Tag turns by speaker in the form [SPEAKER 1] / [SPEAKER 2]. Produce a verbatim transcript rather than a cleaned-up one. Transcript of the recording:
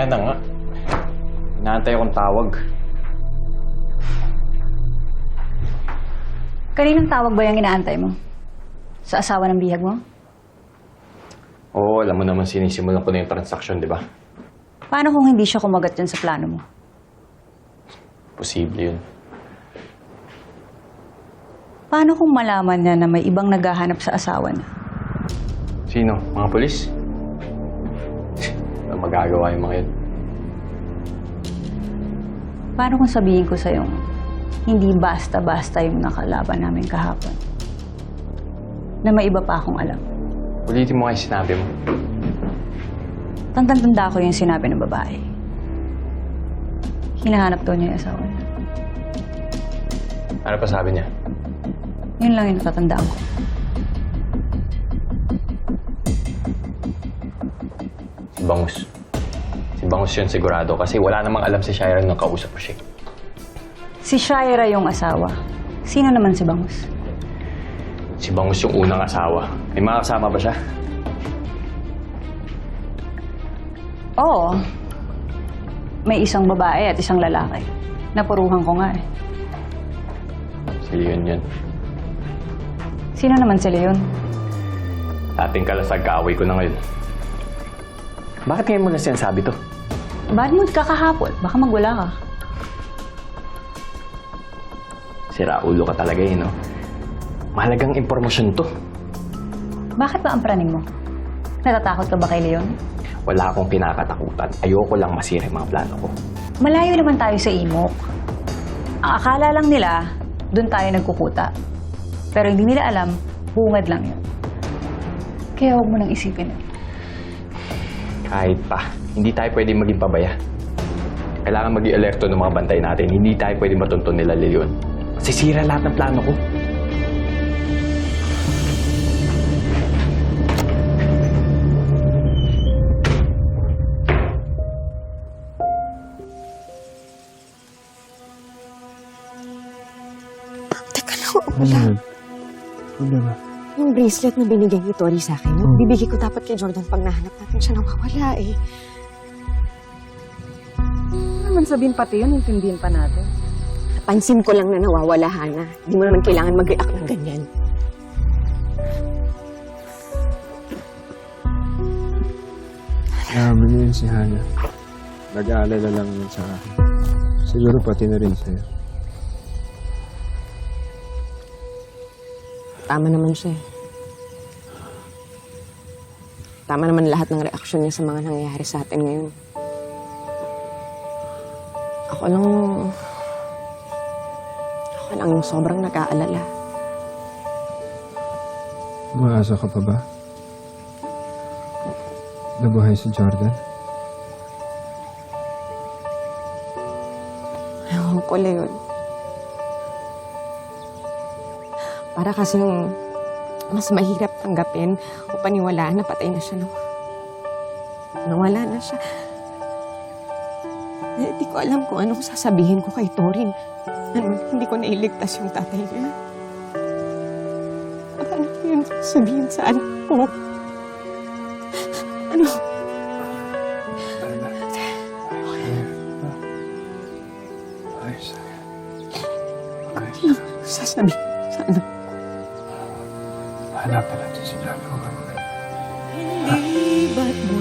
[SPEAKER 1] na nga. Inaantay akong tawag.
[SPEAKER 2] Kaninong tawag ba yung inaantay mo? Sa asawa ng bihag mo?
[SPEAKER 1] Oo, alam mo naman sinisimulan ko na yung transaksyon, di ba?
[SPEAKER 2] Paano kung hindi siya kumagat dyan sa plano mo?
[SPEAKER 1] Posible yun.
[SPEAKER 2] Paano kung malaman niya na may ibang naghahanap sa asawa niya?
[SPEAKER 1] Sino? Mga polis? Ano magagawa yung mga yun?
[SPEAKER 2] Paano kung sabihin ko sa'yo, hindi basta-basta yung nakalaban namin kahapon? Na may iba pa akong alam.
[SPEAKER 1] Ulitin mo kayo sinabi mo.
[SPEAKER 2] Tantang-tanda ko yung sinabi ng babae. Hinahanap daw niya yung asawa niya.
[SPEAKER 1] Ano pa sabi niya?
[SPEAKER 2] Yun lang yung natatandaan ko.
[SPEAKER 1] Si Bangus. Si Bangus yun sigurado kasi wala namang alam si Shaira nung kausap ko siya.
[SPEAKER 2] Si Shaira yung asawa. Sino naman si Bangus?
[SPEAKER 1] Si Bangus yung unang asawa. May mga kasama ba siya?
[SPEAKER 2] Oo. May isang babae at isang lalaki. Napuruhan ko nga eh.
[SPEAKER 1] Si Leon yun.
[SPEAKER 2] Sino naman si Leon?
[SPEAKER 1] Dating kalasag kaaway ko na ngayon. Bakit ngayon mo na sinasabi to?
[SPEAKER 2] Bad mood ka kahapon. Baka magwala ka.
[SPEAKER 1] Sira ulo ka talaga eh, no? Mahalagang impormasyon to.
[SPEAKER 2] Bakit ba ang praning mo? Natatakot ka ba kay Leon?
[SPEAKER 1] Wala akong kinakatakutan. Ayoko lang masira yung mga plano ko.
[SPEAKER 2] Malayo naman tayo sa imok. Ang akala lang nila, doon tayo nagkukuta. Pero hindi nila alam, bungad lang yun. Kaya huwag mo nang isipin yun.
[SPEAKER 1] Kahit pa, hindi tayo pwedeng maging pabaya. Kailangan maging alerto ng mga bantay natin. Hindi tayo pwedeng matuntun nila, Leon. Sisira lahat ng plano ko.
[SPEAKER 3] Teka lang, wala.
[SPEAKER 4] Ano ba?
[SPEAKER 3] Yung bracelet na binigay ni Tori sa akin,
[SPEAKER 4] Hmm.
[SPEAKER 3] bibigay ko dapat kay Jordan pag nahanap natin siya nawawala eh.
[SPEAKER 5] Ano naman sabihin pati yun, intindihin pa natin.
[SPEAKER 3] Napansin ko lang na nawawala, Hana. Hindi mo naman kailangan mag-react ng ganyan.
[SPEAKER 4] Alam niyo yun si Hana. Nag-aalala lang yun sa akin. Siguro pati na rin sa'yo.
[SPEAKER 3] Tama naman siya eh. Tama naman lahat ng reaksyon niya sa mga nangyayari sa atin ngayon. Ako lang... Ako lang yung sobrang nag-aalala.
[SPEAKER 4] Umaasa ka pa ba? Nabuhay si Jordan?
[SPEAKER 3] Ewan ko, Leon. Para kasing mas mahirap tanggapin o paniwalaan na patay na siya. No? Nawala na siya. Eh, di ko alam kung anong sasabihin ko kay Torin. Ano, hindi ko nailigtas yung tatay niya. Paano ko yun sabihin sa anak ko? Ano?
[SPEAKER 4] Ayos.
[SPEAKER 3] Ano sasabihin sa anak ko?
[SPEAKER 4] Hanapan natin si Jordan.
[SPEAKER 3] Hindi ba't mo